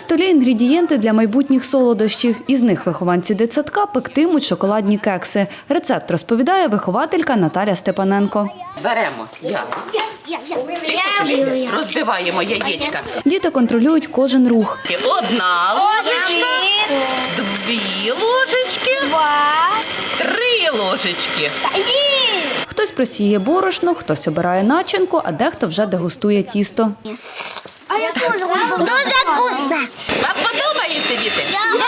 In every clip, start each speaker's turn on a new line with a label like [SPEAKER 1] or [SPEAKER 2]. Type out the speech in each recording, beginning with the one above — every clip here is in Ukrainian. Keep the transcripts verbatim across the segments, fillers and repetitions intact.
[SPEAKER 1] столі інгредієнти для майбутніх солодощів. Із них вихованці дитсадка пектимуть шоколадні кекси. Рецепт розповідає вихователька Наталя Степаненко.
[SPEAKER 2] Беремо яйця, розбиваємо яєчка.
[SPEAKER 1] Діти контролюють кожен рух.
[SPEAKER 2] Одна ложечка, дві ложечки, три ложечки.
[SPEAKER 1] Хтось просіє борошно, хтось обирає начинку, а дехто вже дегустує тісто.
[SPEAKER 3] Дуже вкусно.
[SPEAKER 2] Вам подобається, діти?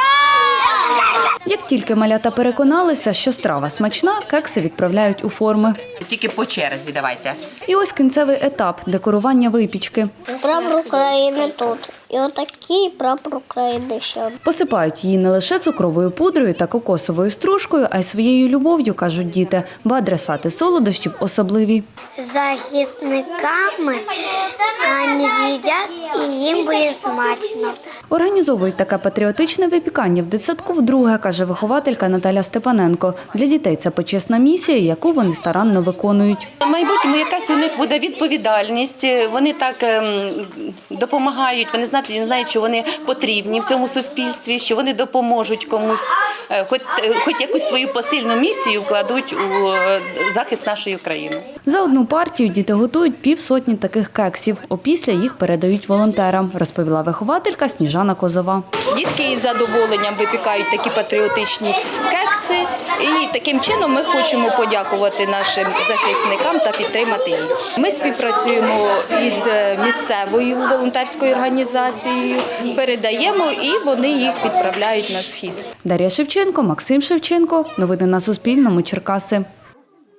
[SPEAKER 1] Як тільки малята переконалися, що страва смачна, кекси відправляють у форми.
[SPEAKER 2] Тільки по черзі давайте.
[SPEAKER 1] І ось кінцевий етап – декорування випічки.
[SPEAKER 3] Прапор України тут. І отакий прапор України ще.
[SPEAKER 1] Посипають її не лише цукровою пудрою та кокосовою стружкою, а й своєю любов'ю, кажуть діти, бо адресати солодощів особливі.
[SPEAKER 3] Захисниками вони з'їдять і їм буде смачно.
[SPEAKER 1] Організовують таке патріотичне випікання в дитсадку вдруге, каже вихователька Наталя Степаненко. Для дітей це почесна місія, яку вони старанно виконують.
[SPEAKER 4] В майбутньому якась у них буде відповідальність, вони так ем, допомагають, вони знають, знають, що вони потрібні в цьому суспільстві, що вони допоможуть комусь, е, хоч, е, хоч якусь свою посильну місію вкладуть у е, захист нашої країни.
[SPEAKER 1] За одну партію діти готують півсотні таких кексів. Опісля їх передають волонтерам, розповіла вихователька Сніжана Козова.
[SPEAKER 5] Дітки із задоволенням випікають такі патріотичні кекси. І таким чином ми хочемо подякувати нашим захисникам та підтримати їх. Ми співпрацюємо із місцевою волонтерською організацією, передаємо і вони їх відправляють на схід.
[SPEAKER 1] Дар'я Шевченко, Максим Шевченко. Новини на Суспільному. Черкаси.